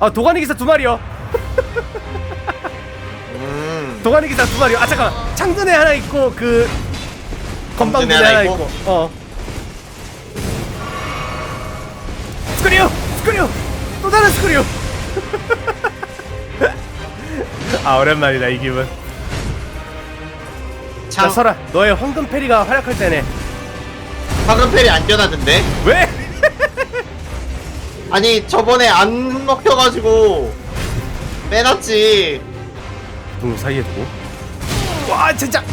아 도가니 기사 2마리요. 도가니 기사 2마리요. 아 잠깐만, 창dun에 하나 있고 그 건방dun에 하나 있고. 스크류 또 다른 스크류. 아 오랜만이다 이 기분. 자 설아, 너의 황금 페리가 활약할 때네. 황금 페리 안 껴놨는데? 왜? 아니 저번에 안 먹혀가지고 빼놨지. 동 사이에 두고. 와 진짜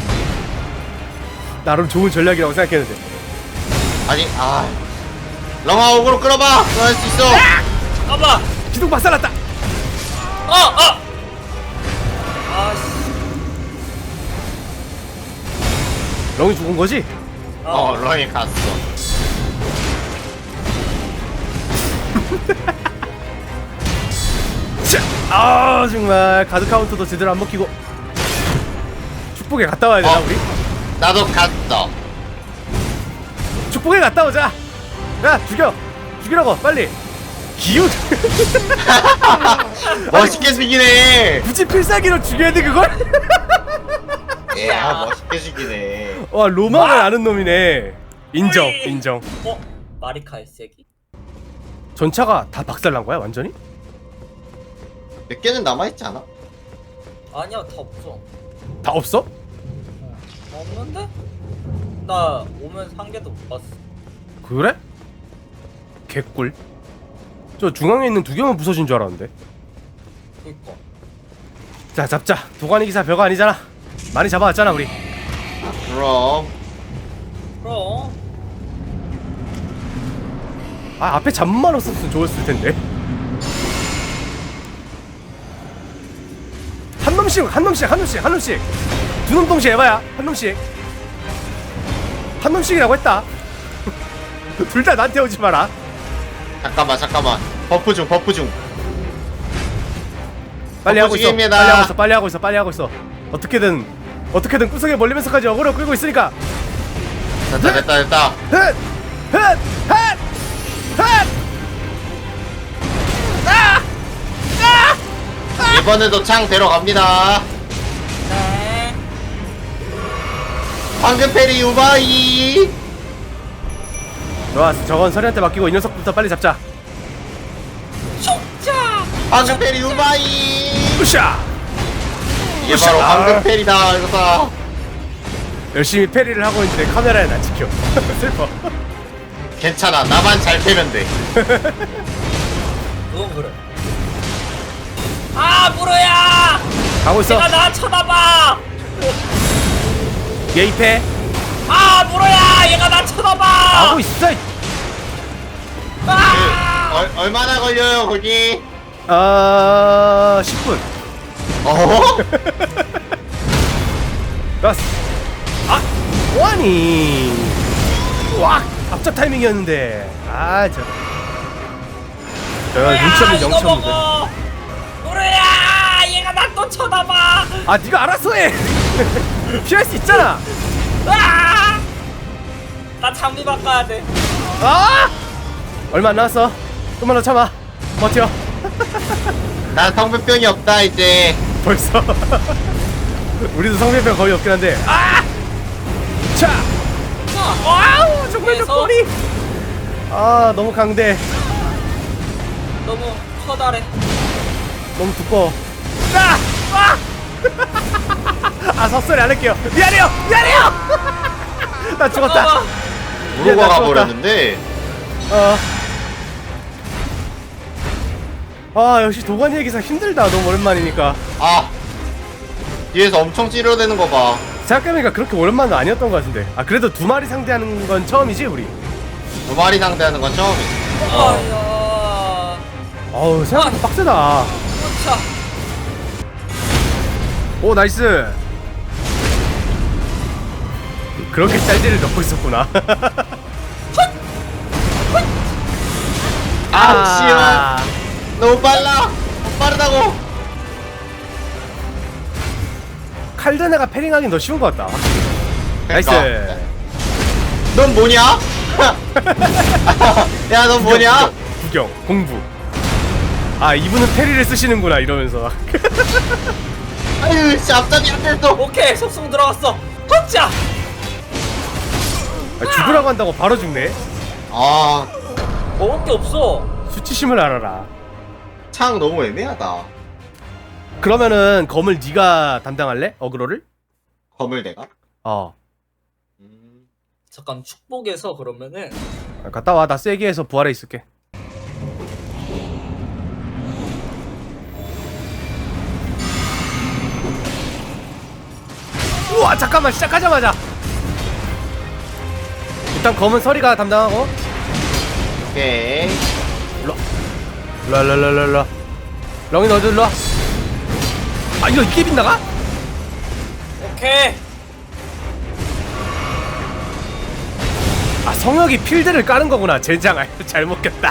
나름 좋은 전략이라고 생각했는데. 아니 렁아 오그로 끌어봐. 너 할 수 있어. 잠깐만. 기둥 박살났다. 아씨. 렁이 죽은 거지? 렁이 갔어. 아 정말 가드 카운터도 제대로 안 먹히고. 축복에 갔다 와야 되나 우리? 나도 갔어. 축복에 갔다 오자. 야 죽이라고 빨리. 기운. 멋있게 죽이네. 굳이 필살기로 죽여야 돼 그걸? 멋있게 죽이네. 와 로망을 아는 놈이네. 인정. 마리카의 세기? 전차가 다 박살난 거야 완전히? 몇 개는 남아있지 않아? 아니야, 다 없어. 다 없어? 없는데? 나 오면서 한 개도 못 봤어. 그래? 개꿀. 저 중앙에 있는 2개만 부서진 줄 알았는데. 그니까. 자 잡자. 도가니 기사 별거 아니잖아. 많이 잡아왔잖아 우리. 그럼 아 앞에 잠만 없었으면 좋았을 텐데. 한 놈씩. 두 놈 동시에 해봐야 한 놈씩이라고 했다. 둘 다 나한테 오지 마라. 잠깐만. 버프 중. 빨리 하고 있어. 중입니다. 빨리 하고 있어. 어떻게든 구석에 멀리면서까지 어그로 끌고 있으니까. 됐다. 헛! 이번에도 창 데려갑니다. 네. 황금 페리 우바이. 좋았어. 저건 서리한테 맡기고 이 녀석부터 빨리 잡자. 촉자! 황금 페리 우바이. 으쌰! 이게 바로 황금 페리다. 이거다. 열심히 페리를 하고 있는데 카메라에 안 찍혀. 슬퍼. 괜찮아. 나만 잘 패면 돼. 그건 그래. 무로야! 가고 있어. 얘가 나 쳐다봐! 예입해. 무로야! 얘가 나 쳐다봐! 가고 있어. 얼마나 걸려요 거기? 10분. 라스. 뭐하니? 와, 앞잡 타이밍이었는데. 제가 눈치 없는 영참인데. 무로야! 얘가 나 또 쳐다봐! 네가 알아서 해. 피할 수 있잖아. 나 장비 바꿔야 돼. 얼마 안 남았어. 좀만 더 참아. 버텨. 난 성분병이 없다 이제. 벌써. 우리도 성별병 거의 없긴 한데. 자. 와우, 정말 그래서? 꼬리. 너무 강대. 너무 커다래. 너무 두꺼워. 섭소리 안 할게요. 미안해요. 나 죽었다. 무로가 가버렸는데. 역시 도가니 얘기사 힘들다. 너무 오랜만이니까. 뒤에서 엄청 찌르대는 거 봐. 생각해보니까 그렇게 오랜만은 아니었던 것 같은데. 그래도 2마리 상대하는 건 처음이지 우리. 2마리 상대하는 건 처음이지. 생각보다 빡세다. 그렇죠. 오 나이스. 그렇게 짤지를 넣고 있었구나. 씨발. 너무 빨라. 빠르다고. 칼드네가 패링하긴 더 쉬운 것 같다. 나이스. 넌 뭐냐? 야, 넌 뭐냐? 구경 공부. 아 이분은 테리를 쓰시는구나 이러면서. 아유 씨 앞잡이 안 됐어. 오케이 속성 들어갔어. 터치야. 아, 죽으라고 한다고 바로 죽네. 아, 먹을 게 없어. 수치심을 알아라. 창 너무 애매하다. 그러면은 검을 네가 담당할래? 어그로를? 검을 내가? 어. 잠깐 축복에서 그러면은 아, 갔다 와. 나 세게 해서 부활해 있을게. 우와 잠깐만 시작하자마자 일단 검은 서리가 담당하고. 오케이. 일로와 렁이 너도 일로와. 아 이거 이게 빗나가? 오케이. 아 성혁이 필드를 까는 거구나. 젠장. 아유 잘못 꼈다.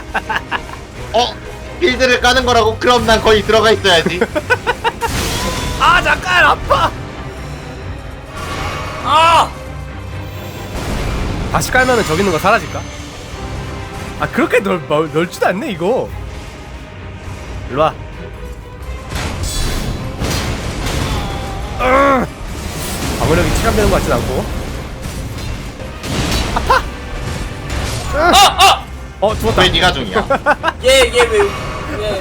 필드를 까는 거라고? 그럼 난 거의 들어가 있어야지. 아 잠깐 아파. 아. 다시 깔면은 저기 있는 거 사라질까? 아 그렇게 넓지도 않네 이거. 일로와. 방어력이 체감되는 것 같진 않고. 아파! 죽었다. 왜 네가 중이야? 얘.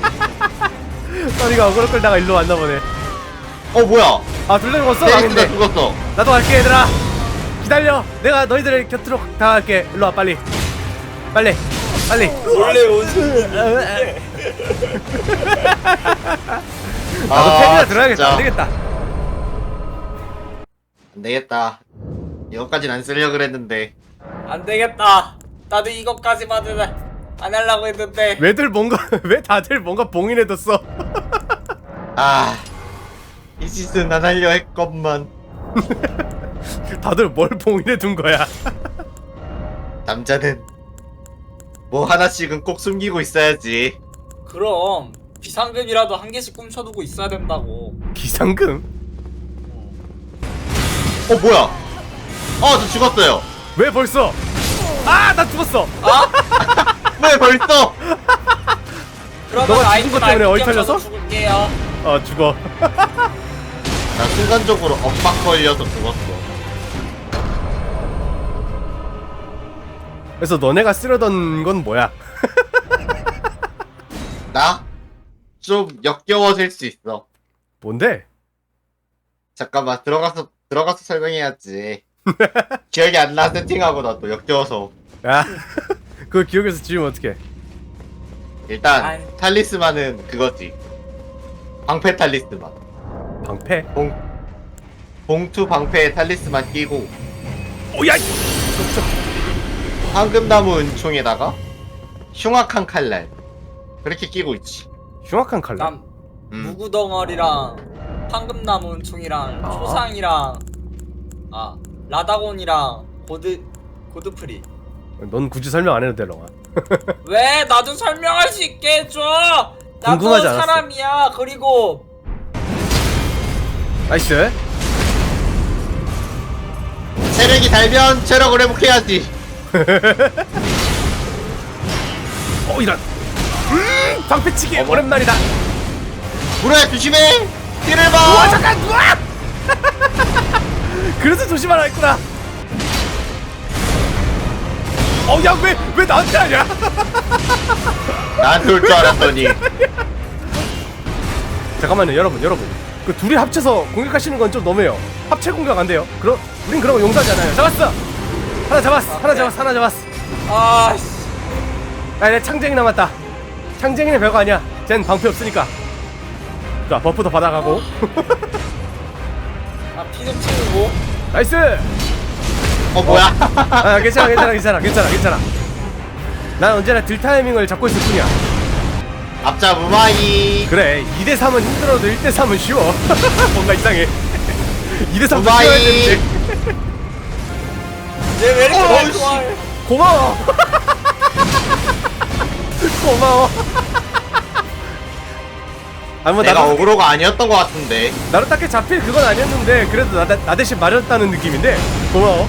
써니가 어그로 끌다가 일로 왔나 보네. 뭐야? 아 둘다 죽었어? 페이스가 망했네. 죽었어. 나도 갈게 얘들아. 기다려. 내가 너희들의 곁으로 다가갈게. 일로와 빨리. 빨리. 원래 오지. 나도 팬이나 들어야겠다. 진짜. 안되겠다. 안 되겠다. 이거까진 안 쓰려고 그랬는데. 안 되겠다. 나도 이것까지만은 안 하려고 했는데. 왜 다들 뭔가 봉인해뒀어. 이 짓은 안 하려 했건만. 다들 뭘 봉인해둔 거야. 남자는 뭐 하나씩은 꼭 숨기고 있어야지. 그럼 비상금이라도 한 개씩 꿈쳐두고 있어야 된다고. 기상금? 뭐야? 저 죽었어요. 왜 벌써? 아 나 죽었어. 왜 벌써? 그러면 너가 아이템 죽은 것 때문에 알고 어이탈려서? 껴서 죽을게요. 죽어. 나 순간적으로 엇박 걸려서 죽었어. 그래서 너네가 쓰려던 건 뭐야? 나? 좀 역겨워질 수 있어. 뭔데? 잠깐만 들어가서 설명해야지. 기억이 안 나. 세팅하고 나 또 역겨워서. 야 그걸 기억해서 지우면 어떡해. 일단 아이. 탈리스만은 그거지. 방패 탈리스만. 방패? 봉투 방패에 탈리스만 끼고 오야! 황금나무 은총에다가 흉악한 칼날 그렇게 끼고 있지. 흉악한 칼날? 난 무구덩어리랑 황금나무 은총이랑 초상이랑 라다곤이랑 고드프리. 넌 굳이 설명 안 해도 돼 렁아. 왜? 나 좀 설명할 수 있게 해줘. 나도 궁금하지 않았어. 사람이야. 그리고 나이스. 체력이 달면 체력을 회복해야지. 이런. 방패치기 오랜만이다. 물어야 조심해. 뒤를 우와 봐. 잠깐 우와! 그래서 조심하라 했구나. 야 왜 나한테 하냐? 나한테 올 줄 알았더니. 잠깐만요 여러분 그 둘이 합쳐서 공격하시는 건 좀 너무해요. 합체 공격 안 돼요. 우린 그런 거 용서하지 않아요. 잡았어. 하나 잡았어. 아씨. 내 창쟁이 남았다. 창쟁이는 별거 아니야. 쟨 방패 없으니까. 자 버프도 받아가고. 피 좀 채우고. 나이스. 뭐야? 괜찮아. 난 언제나 딜 타이밍을 잡고 있을 뿐이야. 앞잡 우마이. 그래 2대3은 힘들어도 1대3은 쉬워. 뭔가 이상해. 2대3도 우마이. 쉬워야 되는데. 얘 왜 이렇게 어우, 날 씨. 좋아해? 고마워. 뭐 내가 나도 어그로가 아니었던 것 같은데. 나로 딱히 잡힐 그건 아니었는데 그래도 나 대신 맞았다는 느낌인데 고마워.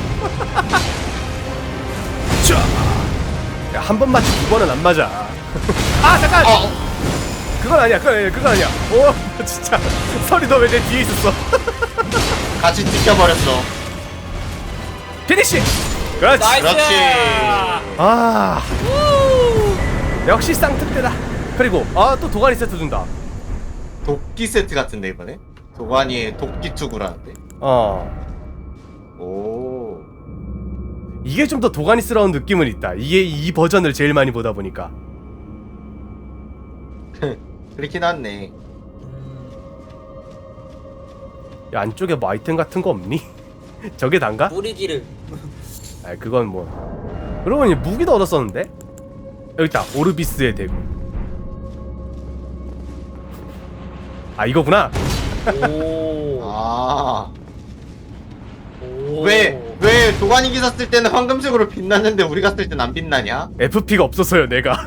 한 번 맞지 두 번은 안 맞아. 잠깐. 그건 아니야. 그건 아니야. 오 진짜 설이 너 왜 내 뒤에 있었어? 같이 찍혀버렸어. 피니시. 그렇지. 나이스. 그렇지. 아 역시 쌍특대다. 그리고 또 도가니 세트 준다. 도끼 세트 같은데 이번에? 도가니에 도끼 투구라는데? 오. 이게 좀 더 도가니스러운 느낌은 있다. 이게 이 버전을 제일 많이 보다 보니까. 그렇긴 하네. 야, 안쪽에 뭐 아이템 같은 거 없니? 저게 단가? 뿌리기를. 아 그건 뭐. 그러고 보니 무기도 얻었었는데? 여기 있다. 오르비스의 대구. 아 이거구나. 오. 아. 오. 왜 도가니 기사 쓸 때는 황금색으로 빛났는데 우리가 쓸 땐 안 빛나냐? FP가 없어서요 내가.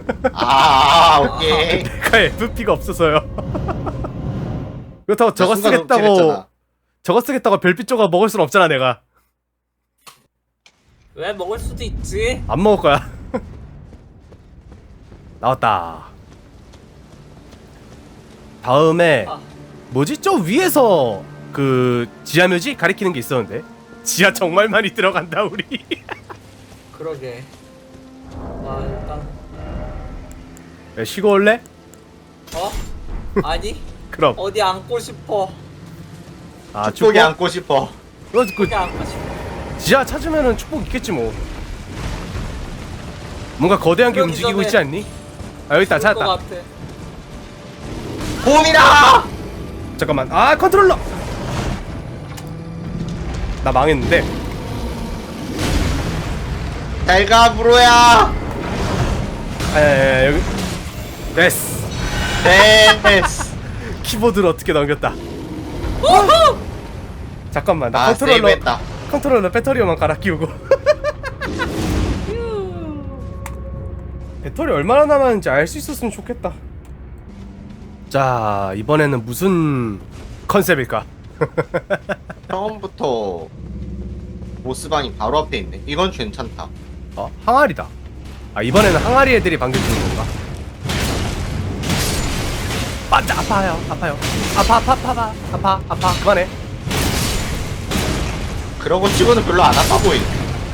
오케이. 내가 FP가 없어서요. 그렇다고 저거 순간 쓰겠다고 움찔했잖아. 저거 쓰겠다고 별빛 조각 먹을 순 없잖아 내가. 왜 먹을 수도 있지? 안 먹을 거야. 나왔다. 다음에 아. 뭐지? 저 위에서 그 지하묘지 가리키는 게 있었는데 지하 정말 많이 들어간다 우리. 그러게. 일단 야, 쉬고 올래? 아니 그럼. 어디 앉고 싶어. 축복이 안고 싶어. 그 어디 앉고 싶어. 지하 찾으면은 축복 있겠지 뭐. 뭔가 거대한 게 그러기 움직이고 전에 있지 않니? 아 여기 있다. 죽을 것 찾았다. 같아. 봄이다! 잠깐만. 컨트롤러. 나 망했는데. 잘가 브로야. 여기. 됐어. 됐어. 키보드를 어떻게 넘겼다. 잠깐만. 나 컨트롤러. 세이브했다. 컨트롤러 배터리만 갈아 끼우고. 배터리 얼마나 남았는지 알 수 있었으면 좋겠다. 자, 이번에는 무슨 컨셉일까? 처음부터 보스방이 바로 앞에 있네. 이건 괜찮다. 항아리다. 이번에는 항아리 애들이 반겨주는 건가? 맞아, 아파요. 아파. 그만해. 그런 거 치고는 별로 안 아파 보이네.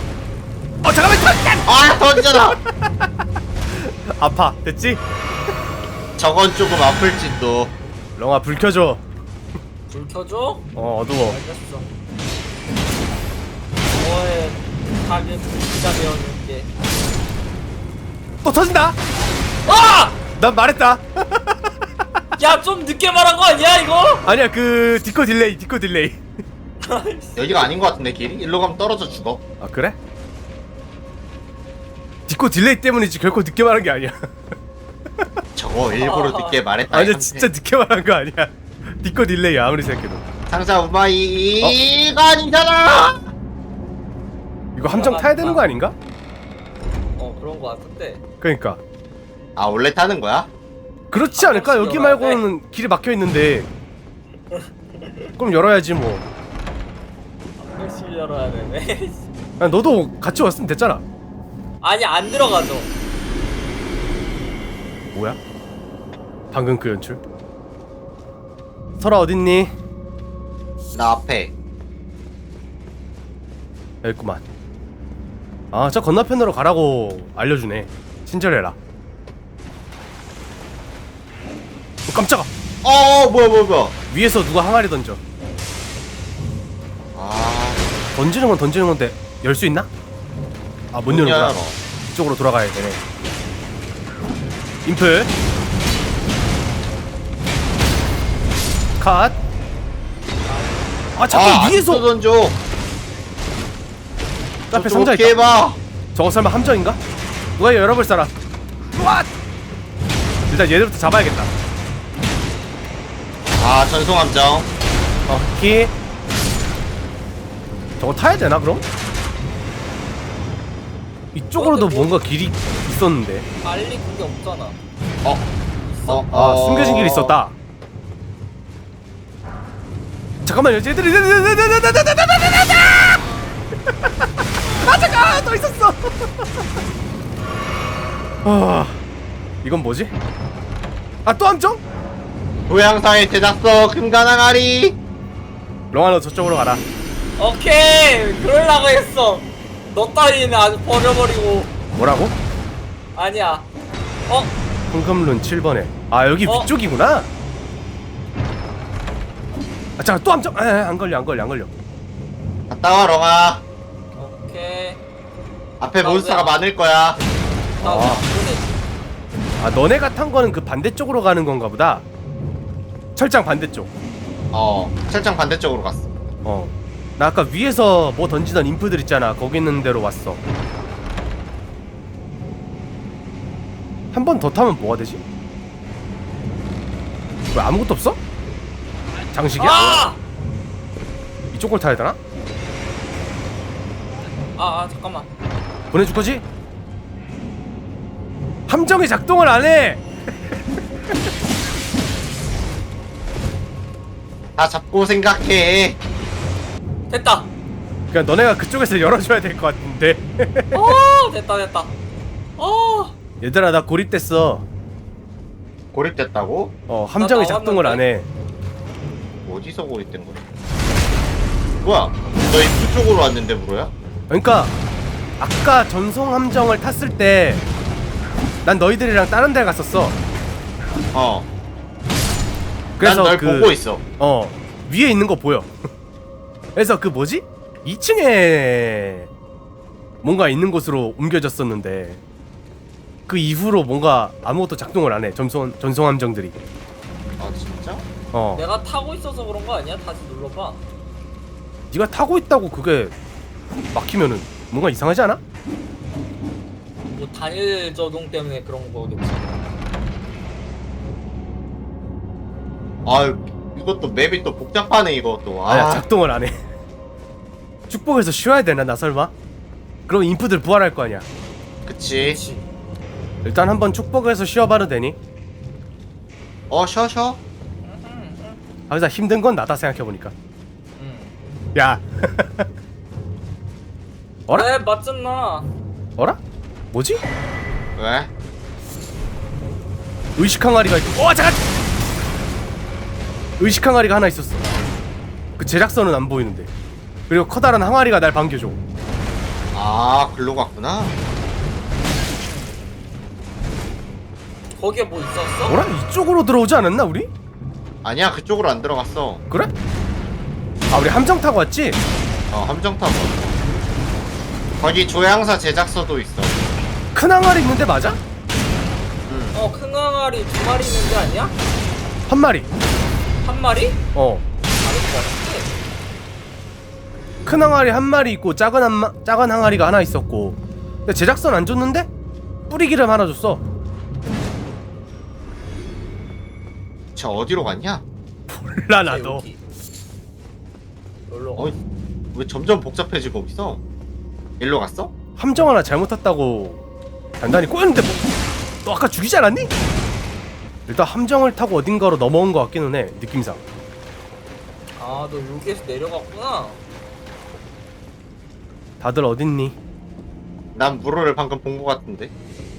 잠깐만. 던져라. 아파. 됐지? 저건 조금 아플지도. 렁아 불 켜줘. 불 켜줘? 어두워. 알겠어. 너의 가게 불기가 되어줄게. 또 터진다. 아! 난 말했다. 야, 좀 늦게 말한 거 아니야 이거? 아니야, 그 디코 딜레이. 여기가 아닌 것 같은데 길이? 일로 가면 떨어져 죽어. 그래? 디코 딜레이 때문이지 결코 늦게 말한 게 아니야. 저거 일부러 늦게 말했다. 아니야, 한테. 진짜 늦게 말한 거 아니야. 디코 딜레이 아무리 생각해도. 상사 우마이 이거 아니잖아. 이거 함정 타야 되는 거 아닌가? 그런 거 같은데. 그러니까. 원래 타는 거야? 그렇지 않을까? 여기 열어야 돼? 말고는 길이 막혀 있는데. 그럼 열어야지 뭐. 열심히 열어야 되네. 너도 같이 왔으면 됐잖아. 아니 안 들어가죠. 뭐야? 방금 그 연출. 설아 어딨니? 나 앞에. 여기 있구만. 저 건너편으로 가라고 알려주네. 친절해라. 깜짝아. 뭐야. 위에서 누가 항아리 던져. 던지는 건 던지는 건데 열 수 있나? 못 여는구나. 열어. 이쪽으로 돌아가야 되네. 인프 컷. 자꾸 위에서 또 던져. 앞에 상자 어떻게 있다. 해봐. 저거 설마 함정인가? 누가 열어볼 사람? 왓! 일단 얘들부터 잡아야겠다. 전송함정. 오케이. 저거 타야 되나 그럼? 이쪽으로도 근데 뭐- 뭔가 길이 있었는데. 빨리 그게 없잖아. 숨겨진 길이 있었다. 잠깐만요, 얘들이. 잠깐, 또 있었어. 이건 뭐지? 아 또 함정? 고향사의 제작소 금가나가리. 롱아 너 저쪽으로 가라. 오케이 그러려고 했어. 너 따위는 아주 버려버리고. 뭐라고? 아니야. 어? 황금룬 7번에. 아 여기 위쪽이구나. 아 잠깐 또 함정. 안 걸려. 갔다 와 롱아. 오케이. 앞에 나 몬스터가 왜- 많을 거야. 나 아. 왜 안 보내지? 아 너네가 탄 거는 그 반대쪽으로 가는 건가 보다. 철장 반대쪽. 철장 반대쪽으로 갔어. 나 아까 위에서 뭐 던지던 인프들 있잖아. 거기 있는 데로 왔어. 한 번 더 타면 뭐가 되지? 왜 아무것도 없어? 장식이야? 아! 이쪽 걸 타야 되나? 잠깐만. 보내줄 거지? 함정이 작동을 안 해. 다 잡고 생각해. 됐다. 그냥 너네가 그쪽에서 열어줘야 될 것 같은데. 됐다. 얘들아 나 고립됐어. 고립됐다고? 함정이 나 작동을 안 해. 어디서 고립된 거야? 뭐야? 너 입구 쪽으로 왔는데 물어야? 그러니까 아까 전송 함정을 탔을 때 난 너희들이랑 다른 데 갔었어. 그래서 난 널 보고 있어. 위에 있는 거 보여. 그래서 그 뭐지? 2층에 뭔가 있는 곳으로 옮겨졌었는데 그 이후로 뭔가 아무것도 작동을 안 해. 전송 함정들이. 아 진짜? 내가 타고 있어서 그런 거 아니야? 다시 눌러봐. 네가 타고 있다고 그게 막히면은 뭔가 이상하지 않아? 뭐 단일 저동 때문에 그런 거겠지. 아 이것도 맵이 또 복잡하네 이것도. 아니야 작동을 안 해. 축복에서 쉬어야 되나 나 설마? 그럼 인프들 부활할 거 아니야. 그치. 그렇지. 일단 한번 축복에서 쉬어봐도 되니? 쉬어. 아, 진짜 힘든 건 나다 생각해보니까. 야. 어라? 그래 맞잖아. 어라? 뭐지? 왜? 의식 항아리가 있고. 잠깐! 의식 항아리가 하나 있었어. 그 제작선은 안 보이는데. 그리고 커다란 항아리가 날 반겨줘. 글로 갔구나. 거기에 뭐 있었어? 어라? 이쪽으로 들어오지 않았나 우리? 아니야 그쪽으로 안 들어갔어. 그래? 아 우리 함정 타고 왔지? 함정 타고. 거기 조향사 제작소도 있어. 큰 항아리 있는데 맞아? 큰 항아리 2마리 있는 게 아니야? 한 마리. 한 마리? 어. 다른 거 같은데. 큰 항아리 한 마리 있고 작은 항아리가 하나 있었고. 근데 제작선 안 줬는데? 뿌리기름 하나 줬어. 저 어디로 갔냐? 몰라 나도. 여기. 여기로 가. 왜 점점 복잡해지고 있어? 일로 갔어? 함정 하나 잘못 탔다고 단단히 꼬였는데 뭐, 너 아까 죽이지 않았니? 일단 함정을 타고 어딘가로 넘어온 것 같기는 해 느낌상. 너 여기에서 내려갔구나. 다들 어딨니? 난 무로를 방금 본 것 같은데.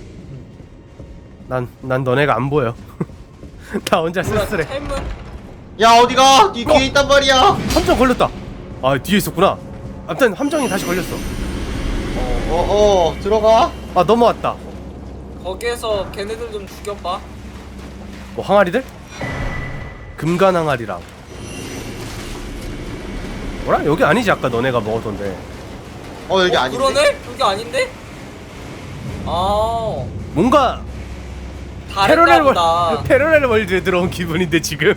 난 너네가 안 보여. 나 혼자 쓸쓸해. 템은? 야 어디가? 네 뒤에 있단 말이야. 함정 걸렸다. 아 뒤에 있었구나. 아무튼 함정이 다시 걸렸어. 들어가. 아 넘어왔다. 거기에서 걔네들 좀 죽여봐. 뭐 항아리들? 금간 항아리랑. 뭐라? 여기 아니지 아까 너네가 먹었던데. 여기 아닌데? 그러네? 여기 아닌데? 뭔가 다른가 보다. 패러렐 월드에 들어온 기분인데 지금.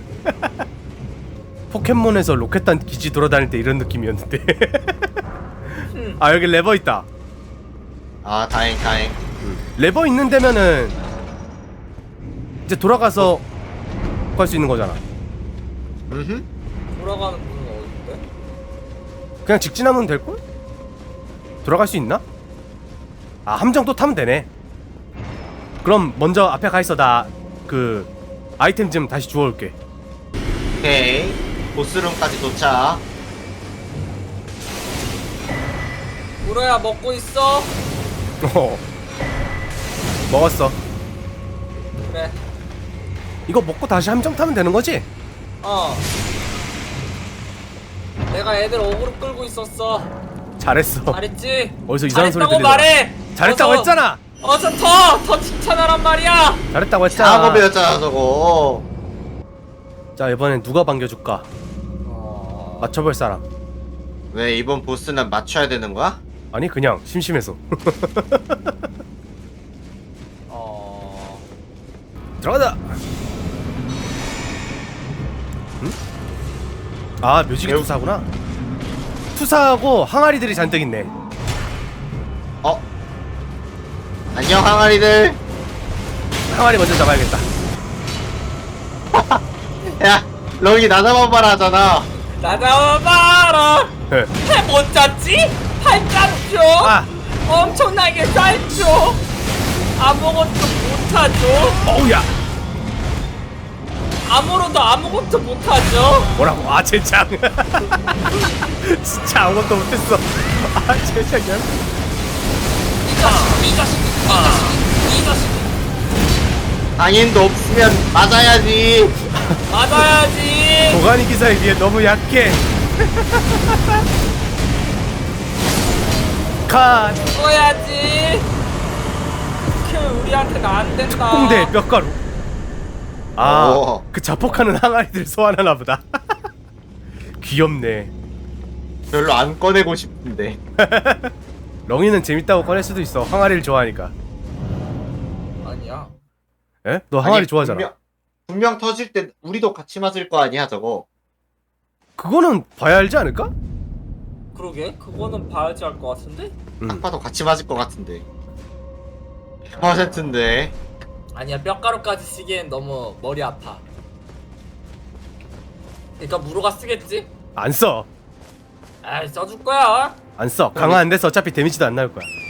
포켓몬에서 로켓단 기지 돌아다닐 때 이런 느낌이었는데. 아 여기 레버 있다. 다행. 레버 있는 데면은 이제 돌아가서 갈 수 있는 거잖아. 돌아가는 문은 어딘데? 그냥 직진하면 될걸? 돌아갈 수 있나? 함정 또 타면 되네. 그럼 먼저 앞에 가 있어. 나 그 아이템 좀 다시 주워올게. 오케이. 보스룸까지 도착. 우로야 먹고 있어? 먹었어. 그래. 이거 먹고 다시 함정 타면 되는 거지? 어. 내가 애들 어그로 끌고 있었어. 잘했어. 잘했지? 어디서 이상한 소리 잘했다고 들리더라. 말해. 잘했다고 어서, 했잖아. 어서 더 칭찬하란 말이야. 잘했다고 했잖아. 작업이었잖아 저거. 자 이번엔 누가 반겨줄까? 맞춰볼 사람. 왜 이번 보스는 맞춰야 되는 거야? 아니 그냥 심심해서. 들어가자. 응? 아 묘지기 매우- 투사구나. 투사하고 항아리들이 잔뜩 있네. 어? 안녕 항아리들. 항아리 먼저 잡아야겠다. 야 럭이 나나만말 하잖아. 나가봐라. 네. 해못 잡지? 팔짱죠. 아 엄청나게 짧죠. 아무것도 못하죠. 어우야. 아무로도 아무것도 못하죠. 뭐라고? 아 젠장. 진짜 아무것도 못했어. 아 젠장이야. 이 자식. 당인도 없으면 맞아야지. 맞아야지. 도가니 기사에 비해 너무 약해. 컷. 죽어야지. 그 우리한테는 안 된다. 홍대 뼈가루. 오. 아, 그 자폭하는 항아리들 소환하나 보다. 귀엽네. 별로 안 꺼내고 싶은데. 렁이는 재밌다고 꺼낼 수도 있어. 항아리를 좋아하니까. 아니야. 에? 너 항아리 아니, 좋아하잖아. 분명 터질 때 우리도 같이 맞을 거 아니야 저거. 그거는 봐야 알지 않을까? 그러게. 그거는 봐야지 할 것 같은데. 딱 봐도 같이 맞을 것 같은데. 100%인데. 아니야. 뼈가루까지 쓰기엔 너무 머리 아파. 그러니까 무로가 쓰겠지? 안 써. 에이 써줄 거야. 안 써. 강화 안 돼서 어차피 데미지도 안 나올 거야.